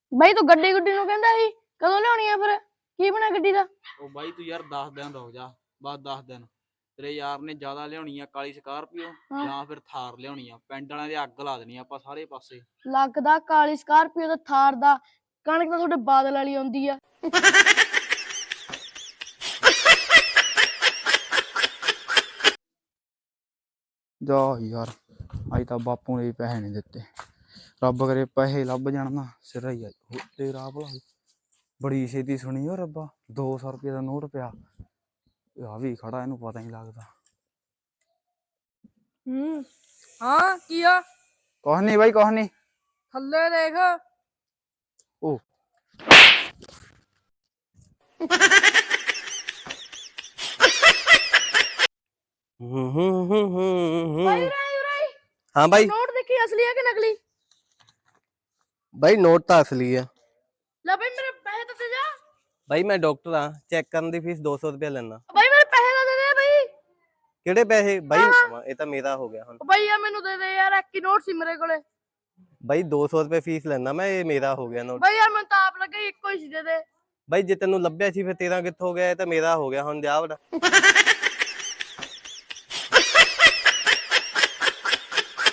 ਬਾਈ ਤੂੰ ਗੱਡੀ ਗੁੱਡੀ ਨੂੰ ਕਹਿੰਦਾ ਸੀ ਕਦੋਂ ਲਿਆਉਣੀ ਆ ਫਿਰ ਕੀ ਬਣਾ ਗੱਡੀ ਦਾ? ਉਹ ਬਾਈ ਤੂੰ ਯਾਰ 10 ਦਿਨ ਰੁਕ ਜਾ, ਬਸ 10 ਦਿਨ। ਤੇਰੇ ਯਾਰ ਨੇ ਜ਼ਿਆਦਾ ਲਿਆਉਣੀ ਆ ਕਾਲੀ ਸਕਾਰਪੀਓ ਜਾਂ ਫਿਰ ਥਾਰ ਲਿਆਉਣੀ ਆ, ਪਿੰਡ ਵਾਲਿਆਂ ਦੇ ਅੱਗ ਲਾ ਦੇਣੀ ਆਪਾਂ ਸਾਰੇ ਪਾਸੇ। ਲੱਗਦਾ ਕਾਲੀ ਸਕਾਰਪੀਓ ਦਾ ਥਾਰ ਦਾ ਕਣਕ ਤਾਂ ਤੁਹਾਡੇ ਬਾਦਲ ਵਾਲੀ ਆਉਂਦੀ ਆ। ਜਾ ਯਾਰ ਅੱਜ ਤਾਂ ਬਾਪੂ ਨੇ ਵੀ ਪੈਸੇ ਨਹੀਂ ਦਿੱਤੇ, ਰੱਬ ਕਰੇ ਪੈਸੇ ਲੱਭ ਜਾਣ ਨਾ ਸਿਰਾ ਹੀ ਆ ਤੇਰਾ ਭਲਾ। ਬੜੀ ਛੇਤੀ ਸੁਣੀ ਓ ਰੱਬਾ, 200 ਰੁਪਏ ਦਾ ਨੋਟ ਪਿਆ ਆ ਵੀ ਖੜਾ, ਇਹਨੂੰ ਪਤਾ ਨਹੀਂ ਲੱਗਦਾ। ਹਾਂ ਕੀ ਆ? ਕੁਛ ਨੀ ਬਾਈ ਕੁਛ ਨੀ। ਥੱਲੇ ਦੇਖ। ਉਹ हाँ भाई नोट देखी असली है कि नकली? भाई नोट तो असली है। ला भाई मेरे पैसे तो दे जा। भाई मैं डॉक्टर हाँ, चेक करने की फीस 200 रुपया लेना। भाई मेरे पैसे तो दे दे भाई। किहड़े पैसे भाई? ये तो मेरा हो गया हुण। भाई यार मैनू दे दे यार, एक ही नोट सी मेरे कोले। भाई 200 रुपये फीस लेना मैं, ये मेरा हो गया नोट। भाई यार मैं तो आप लगे एक ही सी दे दे। भाई जे तेनू लभ्या सी फिर तेरा कित्थों हो गया? ये तो मेरा हो गया हुण, जा बड़ा।